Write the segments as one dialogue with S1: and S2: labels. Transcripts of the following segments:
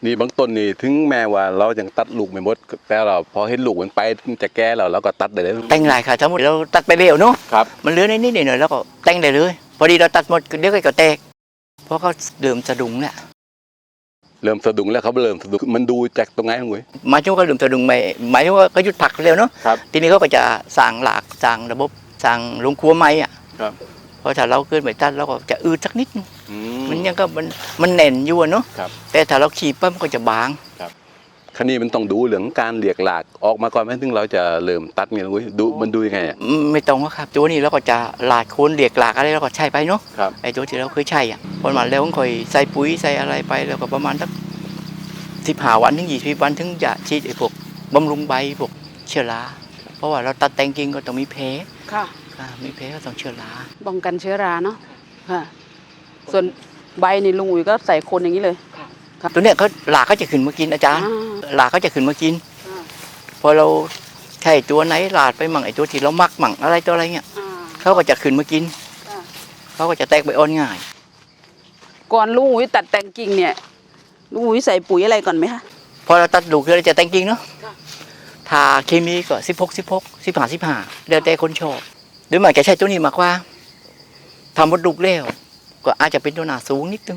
S1: นี่บางต้นนี่ถึงแม้ว่าเรายังตัดลูกไม่หมดแต่เราพอเห็นลูกมันไปจะแก่แล้วก็ตัดได้เลย
S2: แต่งหลายค่ะสมมติเราตัดไปเร็วเนาะ
S1: ครับ
S2: มันเหลือนิดๆหน่อยๆแล้วก็แต่งได้เลยพอดีเราตัดหมดเดี๋ยวก็แตกเพราะเขาเริ่มสะดุ้งเนี่ย
S1: เริ่มสะดุ้งแล้วเขาเริ่มสะดุ้งมันดูจากตรงไหนลุงอุ้ย
S2: หมายถึงว่าเริ่มสะดุ้งหมายถึงว่าเขาหยุดผักเร็วเนาะ
S1: ครับ
S2: ทีนี้เขาก็จะสั่งหลากสั่งระบบสั่งลงครัวไม้อ่ะ
S1: ครับ
S2: เพราะถ้าเราเกินไปตัดเราก็จะอืดสักนิดมันยังก็มันแน่นอยู่เนาะ
S1: ครับ
S2: แต่ถ้าเราขีดปั๊บมันก็จะบาง
S1: คราวนี้มันต้องดูเรื่องการเลียกหลากออกมาก่อนไหมถึงเราจะเริ่มตัดเนี่ยลุงอุ้ยดูมันดูยังไงอ่ะ
S2: ไม่ตรงครับตัวนี้เราก็จะหลากโคนเลียกหลากอะไรเราก็ใช้ไปเนาะ
S1: ครับ
S2: ไอ้ตัวที่เราเคยใช้อ่ะพอมาแล้วก็ค่อยใส่ปุ๋ยใส่อะไรไปแล้วก็ประมาณสัก15 วันถึง20 วันถึงจะฉีดไอ้พวกบำรุงใบพวกเชื้อราเพราะว่าเราตัดแต่งกิ่งก็ต้องมีแผล
S3: ค่ะ
S2: มีแผลก็ต้องเชื้อรา
S3: ป้องกันเชื้อราเนาะค่ะส่วนใบนี่ลุงอุ๋ยก็ใส่คนอย่างนี้เลย
S2: ตัวเนี้ยเขาหลากเขาจะขึ้นมากินอาจารย์หลากเขาจะขึ้นมากินพอเราใช้ตัวไหนหลาดไปมั่งไอ้ตัวที่เรามักมั่งอะไรตัวอะไรเงี้ยเขาก็จะขึ้นมากินเขาก็จะแตกใบอ่อนง่าย
S3: ก่อนลุงอุ๋ยตัดแต่งกิ่งเนี่ยลุงอุ๋ยใส่ปุ๋ยอะไรก่อนไหมคะ
S2: พอเราตัดลูกเราจะแต่งกิ่งเนาะถ้าเคมีก็16 15 15เดี๋ยวแต่คนชอบหรือไม่จะใช้ตัวนี้มากกว่าทำมดลูกแล้วก็อาจจะเป็นตัวหนาสูงนิดนึง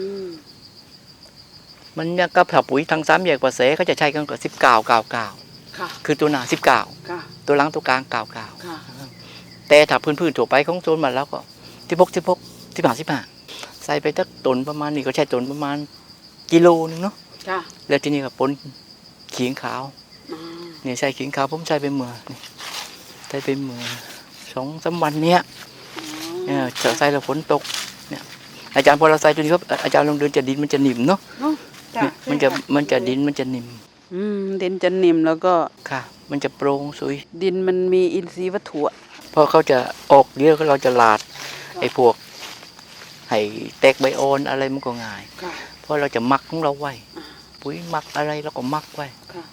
S2: มันเนี่ยก็ถ้าปุ๋ยทาง3 แยกกว่าเสเขาจะใช้กันกับ19 99คือตัวหนา19ตัวหลังตัวกลาง99แต่ถ้าพื้นๆทั่วไปของโซนมันแล้วก็16 15ใส่ไปสักต้นประมาณนี้ก็ใช้ต้นประมาณกิโลนึงเนาะแล้วทีนี้ก็ปนขิงขาวนี่ใส่ขิงขาวผมใส่ไปเมื่อใส่ไปเมื่อ2-3 วันเนี้ยใส่แล้วฝนตกเนี่ยอาจารย์พอเราใส่ตัวนี้ครับอาจารย์ลงเดินจะดินมันจะหนิ่มเนาะมันจะดินมันจะหนิ่ม
S3: ดินจะนิ่มแล้วก็
S2: ค่ะมันจะโปร่งสวย
S3: ดินมันมีอินทรีย์วัตถุ
S2: พอเขาจะออกเดี๋ยวเราจะลาดไอ้พวกให้แตกใบอ่อนอะไรมันก็ง่ายเพราะเราจะมักของเราไว้ปุ๋ยมักอะไรเราก็มักไว้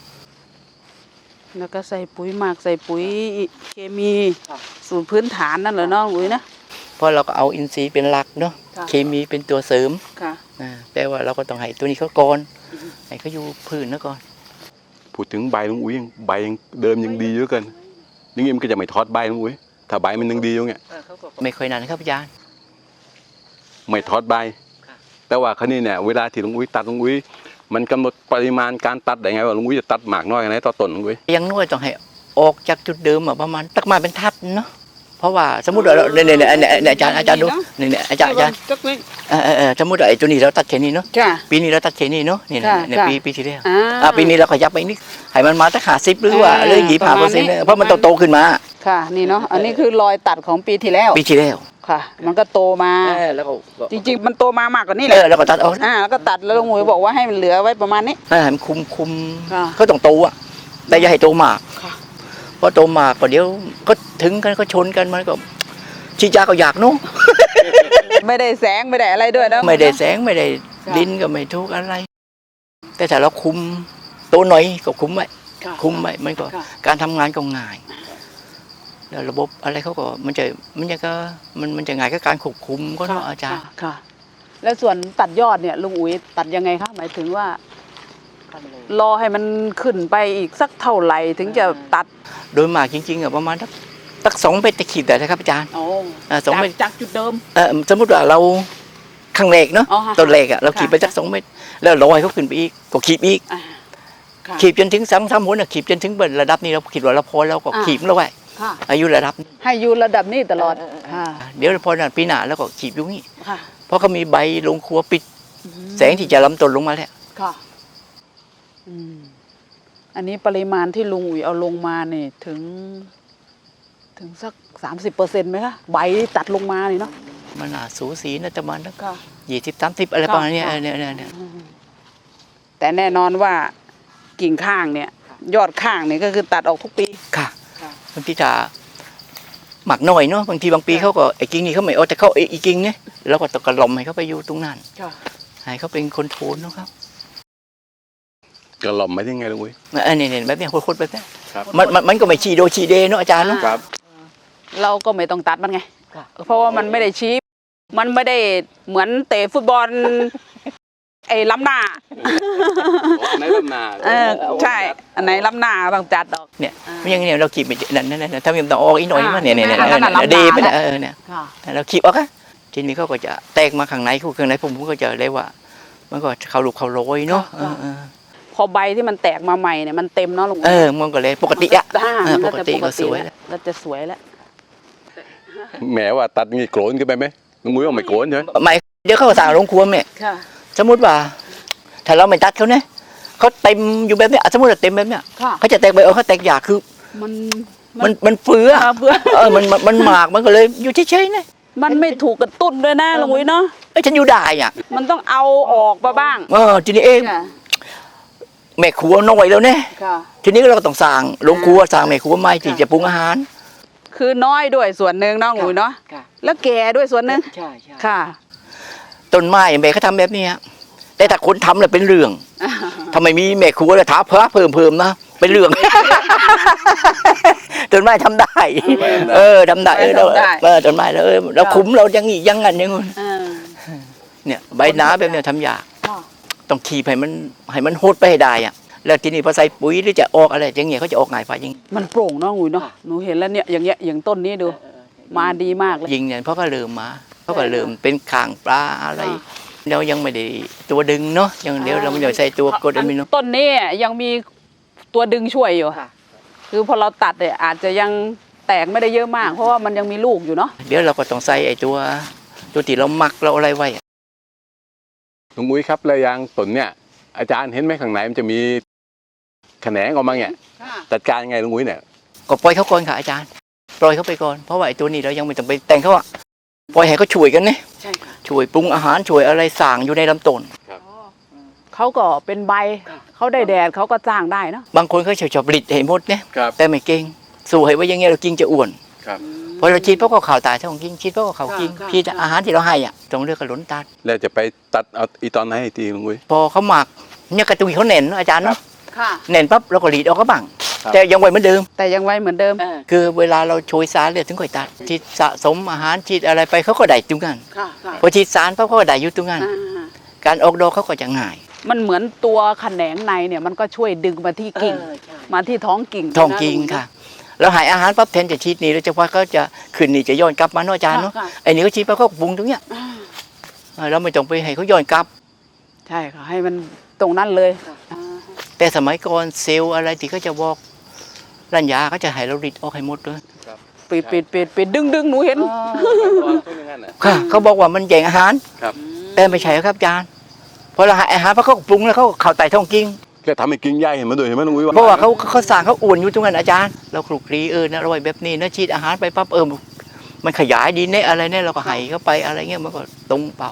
S3: แล้วก็ใส่ปุ๋ยหมักใส่ปุ๋ยเคมีสูตรพื้นฐานนั่นแหละเนาะปุ๋ยนะ
S2: เพราะเราก็เอาอินทรีย์เป็นหลักเนาะเคมีเป็นตัวเสริมแต่ว่าเราก็ต้องให้ตัวนี้เขาก่อนให้เขาอยู่พื้นนะก่อน
S1: พูดถึงใบลุงอุ้ยใบยังเดิมยังดีเยอะเกินยังงี้มันก็จะไม่ทอดใบลุงอุ้ยถ้าใบมันยังดีอยู่เงี้ย
S2: ไม่ค่อยนานครับอาจารย์
S1: ไม่ทอดใบแต่ว่าคราวนี้เนี่ยเวลาที่ลุงอุ้ยตัดลุงอุ้ยมันกำหนดปริมาณการตัดได้ไงว่าลุงอุ้ยจะตัดหมากน้อยขนาดไหนต่อต้นลุงอุ้ย
S2: ยังน้อยต้องให้ออกจากจุดเดิมประมาณตักมาเป็นทัดเนาะเพราะว่าสมมติเราเนี่ยอาจารย์ดูเนี่ยอาจารย์สมมติไอ้ตัวนี้เราตัดแค่นี้เนาะปีนี้เราตัดแค่นี้เนาะนี่เนี่ยปีที่แล้วปีนี้เราขยับไปนิดให้มันมาสัก50หรือว่า25%เพราะมันโตขึ้นมา
S3: ค่ะนี่เนาะอันนี้คือรอยตัดของปีที่แล้วค่ะมันก็โตมา
S2: แล้วก็
S3: จริงๆมันโตมามากกว่านี้แหละ
S2: แล้วก็ตัดออก
S3: แล้วก็ตัดแล้วลุงหมวยบอกว่าให้มันเหลือไว้ประมาณนี้
S2: ให้มันคุมเขาต้องโตอ่ะแต่อย่าให้โตมากเพราะโตมากก็เดี๋ยวก็ถึงกันก็ชนกันมันก็ชี้จ้าก็อยากนู้
S3: ไม่ได้แสงไม่ได้อะไรด้วยนะ
S2: ไม่ได้แสงไม่ได้ดินก็ไม่ทุกอะไรแต่ถ้าเราคุมโตหน่อยก็คุมไว้มันก็การทำงานก็ง่ายแล้วระบบอะไรเขาก็มันจะง่ายกับการควบคุมก็เนาะอาจารย์
S3: ค่ะแล้วส่วนตัดยอดเนี่ยลุงอุ๋ยตัดยังไงคะหมายถึงว่ารอให้มันขึ้นไปอีกสักเท่าไหร่ถึงจะตัด
S2: โดยมากจริงๆประมาณสัก2 เมตรขีดได้นะครับอาจารย์
S3: 2 เมตรจากจุดเดิม
S2: สมมติว่าเราข้างแรกเนาะต้นแรกเราขีดไปสัก2 เมตรแล้วลอยเขาขึ้นไปอีกก็ขีดอีกขีดจนถึง3 หัวขีดจนถึงระดับนี้เราขีดว่าเราพอแล้วก็ขีดแล้วไว้อายุระดับ
S3: ให้อยู่ระดับนี้ตลอด
S2: เดี๋ยวพอปีหน้าแล้วก็ขีดอยู่นี่เพราะเขามีใบลงครัวปิดแสงที่จะล้ำต้นลงมาแล้ว
S3: อันนี้ปริมาณที่ลุงอุ๋ยเอาลงมาเนี่ยถึงสัก30%ไหมคะใบตัดลงมานี่เนาะ
S2: มันสูสีนะประมาณนั้น20-30อะไรประมาณนี้เนี่ย
S3: แต่แน่นอนว่ากิ่งข้างเนี่ยยอดข้างเนี่ยก็คือตัดออกทุกปี
S2: ค่ะบางทีจะหมักหน่อยเนาะบางทีบางปีเขาก็ไอ้กิ่งนี่เขาไม่เอาแต่เขาไอ้กิ่งเนี่ยแล้วก็ตะกระลมให้เขาไปอยู่ตรงนั้นให้เขาเป็นคนโทนนะครับ
S1: กระหล่อมไม่ได้ไงลุงอุ้ย
S2: นี่แบบนี้โคตรแบบนี้มันก็ไม่ชีโดชีเดเนาะอาจารย์เนาะ
S3: เราก็ไม่ต้องตัดมันไงเพราะว่ามันไม่ได้ชี้มันไม่ได้เหมือนเตะฟุตบอลไอ้ล้ำหน้า
S1: ในลำนา
S3: ใช่อันไหนล้ำหน้าต้องจัดดอก
S2: เนี่ยไม่อย่างนี้เราขีดไปนั่นถ้ามีต้องออกอีกหน่อยมาเนี่ยดีไปนะเนี่ย
S3: ค่ะ
S2: เราขีดออกอะทีนี้เขาก็จะแตกมาข้างในผมก็จะเรียกว่ามันก็เขาลูกเขาโรยเนาะ
S3: พอใบที่มันแตกมาใหม่เนี่ยมันเต็มเนาะลุง
S2: มันก็เลยปกติอะปกติก็สวย
S3: แล้วจะสวยแล้ว
S1: แหมว่าตัดงี้โกรนกันไปไหมลุงอุ้ยว่าไม่โกรนใช่ไหม
S2: ไม่เดี๋ยวเขาสั่งลงครัวเนี่ย
S3: ค่ะ
S2: สมมติว่าถ้าเราไม่ตัดเขาเนี่ยเขาเต็มอยู่แบบเนี้ยสมมติว่าเต็มแบบเนี้ย
S3: ค่ะ
S2: เขาจะแตกใบเขาแตกหยาคือ
S3: มัน
S2: มันเฟื่อ
S3: เพื่อ
S2: มันหมากมันก็เลยอยู่เฉยๆนะ
S3: มันไม่ถูกกระตุ้นด้วยนะลุงอุ้ยเนาะ
S2: ฉันอยู่ได้อ่ะ
S3: มันต้องเอาออกมาบ้าง
S2: ทีนี้เอง
S3: ค่ะ
S2: แม่ครัวน้อยแล้วเนี่ย
S3: ค่ะ
S2: ทีนี้เราก็ต้องสั่งลงครัวสั่งแม่ครัวใหม่ที่จะปรุงอาหาร
S3: คือน้อยด้วยส่วนหนึ่งเนาะลุงอุ้ยเนาะแล้วแก่ด้วยส่วนหนึ่ง
S2: ใช่
S3: ค่ะ
S2: ต้นไม้แม่เขาทำแบบนี้แต่ถ้าคนทำเนี่ยเป็นเรื่องทำไมมีแม่ครัวเลยท้าเพิ่มนะเป็นเรื่อง ต้นไม้ทำได้ทำได้ต้นไม้เราคุ้มเราอย่างนี้ยังงั้นอย่างงี้เนี่ยใบหนาแบบเนี้ยทำยากต้องขีบให้มันโหดไปให้ได้อะแล้วทีนี้พอใส่ปุ๋ยหรือจะออกอะไรอย่างเงี้ยเขาจะออกง่ายกว่ายิง
S3: มันโปร่งเนาะลุงอุ้ยเนาะหนูเห็นแล้วเนี่ยอย่างเงี้ยอย่างต้นนี้ดูมาดีมากเลย
S2: ยิงเนี่ยเพราะก็เริ่มมาเขาก็เริ่มเป็นข่างปลาอะไรเรายังไม่ได้ตัวดึงเนาะยังเดี๋ยวเราไม่ได้ใส่ตัวกรดอะมิโน
S3: ต้นนี้ยังมีตัวดึงช่วยอยู่คือพอเราตัดเนี่ยอาจจะยังแตกไม่ได้เยอะมาก เพราะว่ามันยังมีลูกอยู่เนาะ
S2: เดี๋ยวเราก็ต้องใส่ไอ้ตัวที่เราหมักเราอะไรไว้
S1: ลุงอุ้ยครับแล้วยางต้นเนี่ยอาจารย์เห็นไหมข้างในมันจะมีแขนงออกมาเนี่ยจัดการยังไงลุงอุ้ยเนี่ย
S2: ก็ปล่อยเขาก่อนค่ะอาจารย์ปล่อยเขาไปก่อนเพราะว่าไอ้ตัวนี้เรายังไม่ต้องไปแต่งเขาอะปล่อยให้เขาช่วยกันเนี่ย
S3: ใช่ค่ะ
S2: ช่วยปรุงอาหารช่วยอะไรสั่งอยู่ในลำต้น
S3: เขาก็เป็นใบเขาได้แดดเขาก็จ้างได้เนาะ
S2: บางคนเขาชอบผลิตให้หมดเนี่ยแต่ไม่เก่งสู้ให้ไว้อยังไงเรากินจะอ้วนพอเราชีดเพราะก็ข่าวตายท้องกินชีดเพราะก็ข่าวกินชีดอาหารที่เราให้อ่ะต้องเลือกกระหลนตัด
S1: แล้วจะไปตัดเอาอีตอนไหนอีกทีลุงอุ้ย
S2: พอเขาหมักเนี่ยกระตุยเขาเน่นเนอะอาจารย์เนาะ
S3: ค่ะ
S2: เน่นปั๊บเราก็หลีดออกก็บัง
S1: ครับ
S2: แต่ยังไว้เหมือนเดิม
S3: แต่ยังไว้เหมือนเดิม
S2: คือเวลาเราโชยสารเลยถึงค่อยตัดฉีดสะสมอาหารฉีดอะไรไปเขาก็ได้ตรงนั้น
S3: ค่ะ
S2: พอฉีดสารปั๊บเขาก็ได้อยู่ตรงนั้นการออกดอกเขาก็จะง่าย
S3: มันเหมือนตัวแขนงในเนี่ยมันก็ช่วยดึงมาที่กิ่งมาที่ท้องกิ่ง
S2: ท้องจริงค่ะเราหายอาหารปั๊บแทนจะฉีดนี่แล้วจะว่าเขาจะขึ้นนี่จะย้อนกลับมาเนาะอาจารย์เนาะไอ้นี่เขาฉีดปั๊บเขาปรุงตรงเนี้ยเราไม่ต้องไปให้เขาย้อนกลับ
S3: ใช่ค่ะให้มันตรงนั้นเลย
S2: แต่สมัยก่อนเซลล์อะไรที่เขาจะบอกรัญญาเขาจะให้เราริดออกให้หมดเลย
S3: ปิดดึงหนูเห็น
S2: ค่ะเขาบอกว่ามันแย่งอาหาร
S1: ครับ
S2: แต่ไม่ใช่ครับอาจารย์พอเราหาอาหารเพราะเขาปรุงแล้วเขาเข้าไต่ท้องกิ่ง
S1: แกทำให้กิ่งใหญ่เห็นมาด้วยเห็นไหมลุงอุ้ย
S2: เพราะว่าเขาสั่งเขาอ้วนอยู่ตรงนั้นอาจารย์เราคลุกคลีนะอร่อยแบบนี้นะฉีดอาหารไปปั๊บมันขยายดีเนี่ยอะไรเนี่ยเราก็ให้เข้าไปอะไรเงี้ยมันก็ตรงเป่า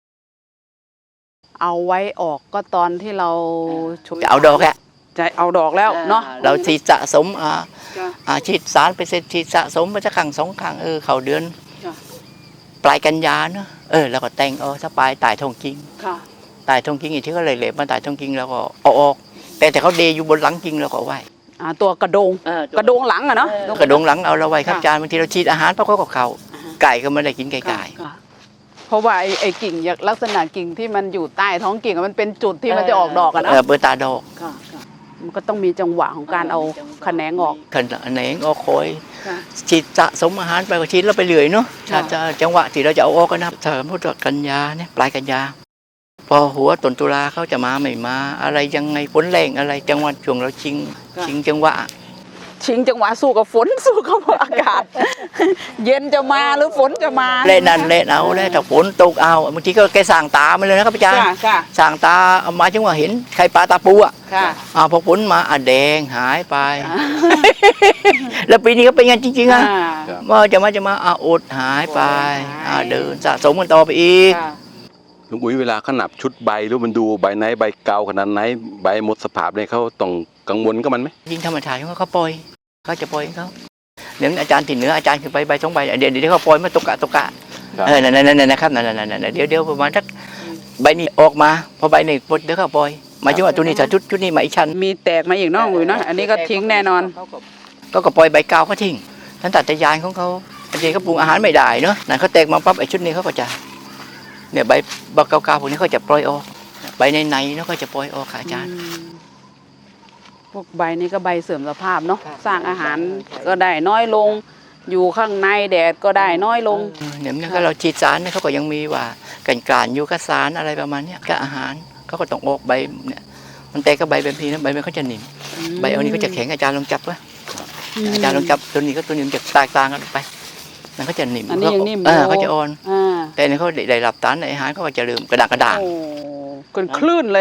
S3: เอาไว้ออกก็ตอนที่เราช่วย
S2: จะเอาดอกแหละ
S3: จะเอาดอกแล้วเนาะ
S2: เราฉีดสะสมฉีดสารไปเสร็จฉีดสะสมไปสักครั้งสองครั้งเข้าเดือนปลายกันยาเนาะแล้วก็แต่งถ้าปลายตายทองกิ่ง
S3: ค่ะ
S2: ตายทองกิ่งอีกที่เขาเลยเหล็บมาตายทองกิ่งแล้วก็เอาออกแต่เขาเดอยู่บนหลังกิ่งเราก็เอาไว้
S3: ตัวกระโดงกระโดงหลังอะเนาะ
S2: กระดงหลังเอาเราไว้ครับอาจารย์บางทีเราฉีดอาหารเพราะเขาก็เข่าไก่ก็ไม่ได้กินไก่
S3: ค่ะเพราะว่าไอ้กิ่งลักษณะกิ่งที่มันอยู่ใต้ท้องกิ่งมันเป็นจุดที่มันจะออกดอกอะนะ
S2: เปิดตาดอก
S3: มันก็ต้องมีจังหวะของการเอาแขนงออก
S2: ขนแหนงออกคอยฉีดสะสมอาหารไปก็ฉีดแล้วไปเรื่อยเนาะถ้าจะจังหวะที่เราจะเอาออกกันนะถ้าสมมติว่ากันยาเนี่ยปลายกันยาพอหัวต้นตุลาเขาจะมาไม่มาอะไรยังไงฝนแรงอะไรจังหวะช่วงเราชิงจังหวะ
S3: ชิงจังหวะสู้กับฝนสู้กับอากาศ เย็นจะมาหรือฝนจะมา
S2: เล่นนั่นเล่นเอาแล้วถ้าฝนตกเอาบางทีก็แกสั่งตามาเลยนะครับอาจารย์
S3: ค่ะ
S2: สั่งตาเอามาจังหวะเห็นไข่ปลาตาปูอ่ะ
S3: ค่ะ
S2: พอฝนมาแดงหายไป แล้วปีนี้ก็เป็นงั้นจริงๆอ่ะว่าจะมาอดหายไปเดินสะสมกันต่อไปอีก
S1: ลุงอุ้ยเวลาเขานับชุดใบหรือมันดูใบไหนใบเก่าขนาดไหนใบหมดสภาพเนี่ยเขาต้องกังวลกับมันไหม
S2: ยิงธรรมชาติเขาปล่อยเขาจะปล่อยเขาเดี๋ยวอาจารย์ที่เหนืออาจารย์ขึ้นไปใบสองใบเดี๋ยวเขาปล่อยมาตกกะนั่นนะครับนั่นเดี๋ยวประมาณสักใบนี้ออกมาพอใบนี้เดี๋ยวเขาปล่อยหมายถึงว่าตัวนี้ถ้าชุดนี้มาอีกชั้น
S3: มีแตกมาอีกน้องอยู่นะอันนี้ก็ทิ้งแน่นอน
S2: ก็ปล่อยใบเก่าเขาทิ้งท่านตัดแต่ยานของเขาบางทีเขาปรุงอาหารไม่ได้เนาะนั่นเขาแตกมาปั๊บไอ้ชุดนี้เขาก็จะเนี่ยใบเก่าๆพวกนี้เขาจะปล่อยออกใบในๆเนาะก็จะปล่อยออกค่ะอาจารย์
S3: พวกใบนี้ก็ใบเสื่อมสภาพเนาะ
S2: ครับ
S3: สร้างอาหารก็ได้น้อยลง อยู่ข้างในแดดก็ได้น้อยลง
S2: เนี่ยมันก็เราฉีดสารเนี่ยเขาก็ยังมีว่ากันกลานยูคาสารอะไรประมาณเนี้ยกับอาหารเขาก็ต้องออกใบเนี่ยมันแต่ก็ใบแบบนี้นะใบมันเขาจะหนิ่มใบเอานี้ก็จะแข็งอาจารย์ลองจับไว้อาจารย์ลองจับตัวนี้ก็ตัวนี้มันจะแตกต่างกันไปมันก็จะหนิ่ม
S3: อันนี้ยังนิ่ม
S2: เขาจะอ่อน
S3: อ่า
S2: แต่เนี่ยเขาได้รับสารในอาหารเขาก็จะเริ่มกระด่าง
S3: โอ้เป็นคลื่นเลย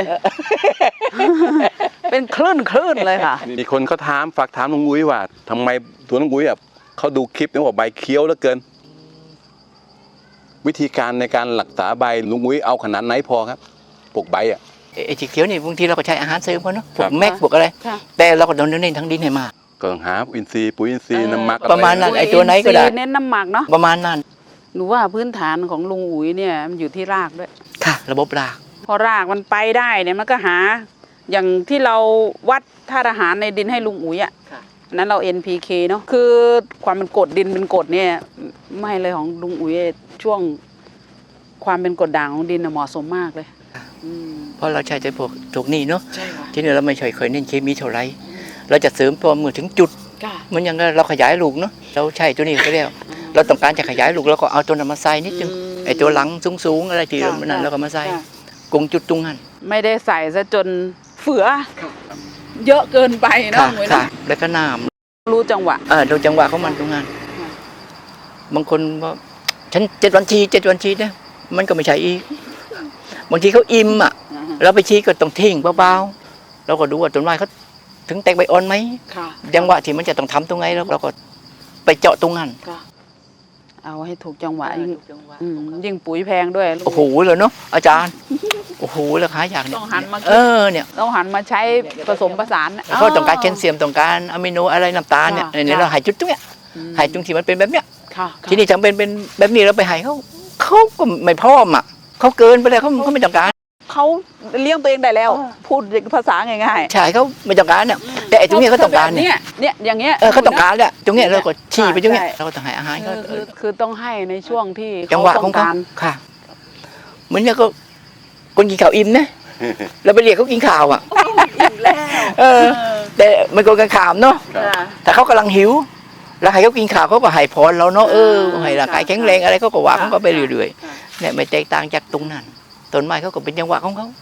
S3: เป็นคลื่นเลยค่ะ
S1: มีคนเขาถามฝากถามลุงอุ้ยว่าทำไมตัวลุงอุ้ยอ่ะเขาดูคลิปเนี่ยบอกใบเคี้ยวเหลือเกิน วิธีการในการรักษาใบลุงอุ้ยเอาขนาดไหนพอครับปลูกใบอ่ะ
S2: ไอ้สีเขียวนี่บางทีเราก็ใช้อาหารเสริมเขาเนาะพว
S1: ครั
S2: ก
S1: บ
S2: แม็กพวกอะไร
S3: ค่ะ
S2: แต่เราก็ต้องเน้นทั้งดินให้มาก
S1: ก็ต้องหาอินทรีย์ปุ๋ยอินทรีย์น้ำหมัก
S2: ประมาณนั้น
S1: อ
S2: ไอ้ตัวไหนก็ได้
S3: อิทรีย์เน้นน้ำหมักเนาะ
S2: ประมาณนั้น
S3: หนูว่าพื้นฐานของลุงอุ๋ยเนี่ยมันอยู่ที่รากด้วย
S2: ค่ะ ระบบราก
S3: พอรากมันไปได้เนี่ยมันก็หา อย่างที่เราวัดธาตุอาหารในดินให้ลุงอุ๋ยอ่ะ
S2: ค่ะ
S3: อันนั้นเรา NPK เนาะคือความเป็นกรดดินเป็นกรดเนี่ยไม่เลยของลุงอุ๋ยช่วงความเป็นกรดด่างของดินน่ะเหมาะสมมากเลยอืม
S2: เพราะเราใช้แต่พวกถูกนี่เนาะ
S3: ใช่ค่ะ
S2: ที่นี่เราไม่เคยเน้นเคมีเท่าไหรเราจะเสริมพอเมื่อถึงจุด
S3: ค่ะ
S2: เหมันอยังเราขยายลูกเนาะเราใช้ตัวนี้ก็แล้วเราต้องการจะขยายลูกเราก็เอาตัวนั้นมาใส่นิดนึงไอ้ตัวหลังสูงๆอะไรที่เรานั้นเราก็มาใส่
S3: ค่ะ
S2: กงจุดตรงนั้น
S3: ไม่ได้ใส่ซะจนเฟือ เยอะเกินไปเนาะ
S2: ค่ะ
S3: ลุงอุ๋ย
S2: ค่ะ
S3: เนาะ
S2: แล้วก็น้
S3: รู้จังหวะ
S2: ำดูจังหวะของมันตรงนั้น
S3: ค่ะ
S2: บางคนว่าฉัน7 วันชีเนี่ยมันก็ไม่ใช่อีกบางทีเขาอิ่มอ่ะเราไปชี้ก็ต้องทิ้งเบาๆเราก็ดูว่าต้นไม้เขาถึงแตกใบอ่อนไหม
S3: ค่ะ
S2: จังหวะที่มันจะต้องทำตรงไหนแล้วเราก็ไปเจาะตรงนั้น
S3: ค่ะเอาให้ถูกจังหวะยิ่งปุ๋ยแพงด้วยลุง
S2: โอ้โหเลยเนาะอาจารย์โอ้โหราคาอย่างเนี้
S3: ต้องหันมาคิด
S2: เนี่ย
S3: ต้องหันมาใช้ผสมผสาน
S2: เขาต้องการแคลเซียมต้องการอะมิโนอะไรน้ำตาลเนี่ย
S3: ค่ะ
S2: เนี่ยเราใหายจุดตรงเนี้ยใหายตรงที่มันเป็นแบบเนี้ย
S3: ค่ะ
S2: ทีนี้จำเป็นแบบนี้เราไปใหายเขาก็ไม่พร้อมอ่ะเขาเกินไปเลยเขาไม่ต้องการ
S3: เขาเลี้ยงตัวเองได้แล้ว พูดภาษาง่าย
S2: ใช่เขาไม่ต้องการเนี่ยแต่ไอ้ตรงเนี้ยเขาต้องการ
S3: เนี่ยเนี่ยอย่างเงี้ย
S2: เขาต้องการเนี่ยตรงเนี้ยเราก็ชี้ไปตรงเนี้ย
S3: ใช่
S2: เราก็ต้องให้อาหารเขา
S3: คือต้องให้ในช่วงที่
S2: จังหวะของ
S3: ต้
S2: เขา
S3: การ
S2: ค่ะเหมือนเนี่ยก็คนกินข้าวอิ่มนะเราไปเรียกเขากินข้าวอ่ะ
S3: อิ่มแล้ว
S2: แต่มันก็กันขามเนาะ
S3: ค่ะ
S2: แต่เขากำลังหิว แล้วให้เขากินข้าวเขาก็ให้พรเราเนาะให้ร่างกายแข็งแรงอะไรเขาก็ว่าเขาก็ไปเรื่อยๆเนี่ยไม่แตกต่างจากตรงนั้นต้นไม้เขาก็เป็นจังหวะของเขา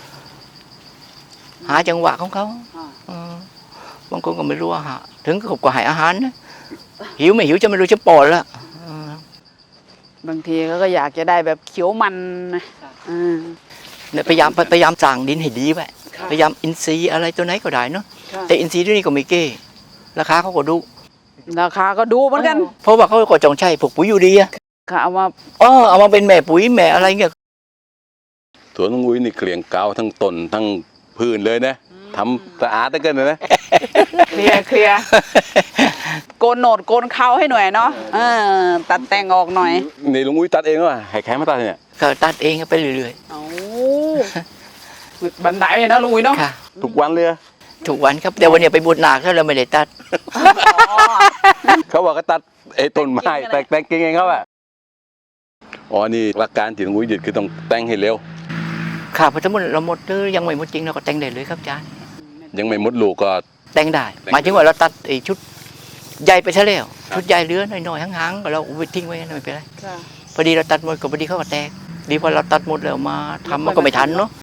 S2: หาจังหวะของเขาบางคนก็ไม่รู้ว่าหาถึงก็ให้อาหารนะหิวไม่หิวจะไม่รู้จะปอดละ
S3: บางทีเขาก็อยากจะได้แบบเขียวมันนะอ่า
S2: เนี่ยพยายามสั่งดินให้ดีไว้พยายามอินทรีย์อะไรตัวไหนก็ได้เนาะแต่อินทรีย์ที่นี่ก็ไม่เก้ราคาเขาก็ดู
S3: ราคาก็ดูเหมือนกัน
S2: เพราะว่าเขาก็จงใช้พวกปุ๋ยยูเรีย
S3: ค่ะเอามา
S2: เอามาเป็นแม่ปุ๋ยแม่อะไรเงี้ย
S1: สวนลุงอุ้ยนี่เกลี่ยงเกาทั้งต้นทั้งพื้นเลยนะทำสะอาดได้เกินเลยนะ
S3: เคลียร์โกนโหนดโกนเขาให้หน่อยเนาะตัดแต่งออกหน่อย
S1: นี่ลุงอุ้ยตัดเองว่ะให้ใครมาตัดเนี่ย
S2: ก็ตัดเองไปเรื่อย
S3: เอาบันไดเลยนะลุงอุ้ยเนาะ
S2: ๆค่ะ
S1: ทุกวันเลยอะ
S2: ทุกวันครับแต่วันนี้ไปบูชนาเขาเราไม่ได้ตัด
S1: เขาบอกก็ตัดไอ้ต้นไม้แต่งกิ่งเองเขาอะอ๋อนี่หลักการที่ลุงอุ้ยยึดคือต้องแต่งให้เร็ว
S2: ค่ะพอสมมติเราหมดหรือยังไม่หมดจริงเราก็แต่งได้เลยครับอาจารย์
S1: ยังไม่หมดลูกก็
S2: แต่งได้หมายถึงว่าเราตัดไอ้ชุดใหญ่ไปซะแล้วชุดใหญ่เหลือน้อยๆห่างๆก็เราเอาไปทิ้งไว้ไม่เป็นไรพอดีเราตัดหมดก็พอดีเขาก็แตกดีพอเราตัดหมดแล้วมาทำมันก็ไม่ทันเนาะ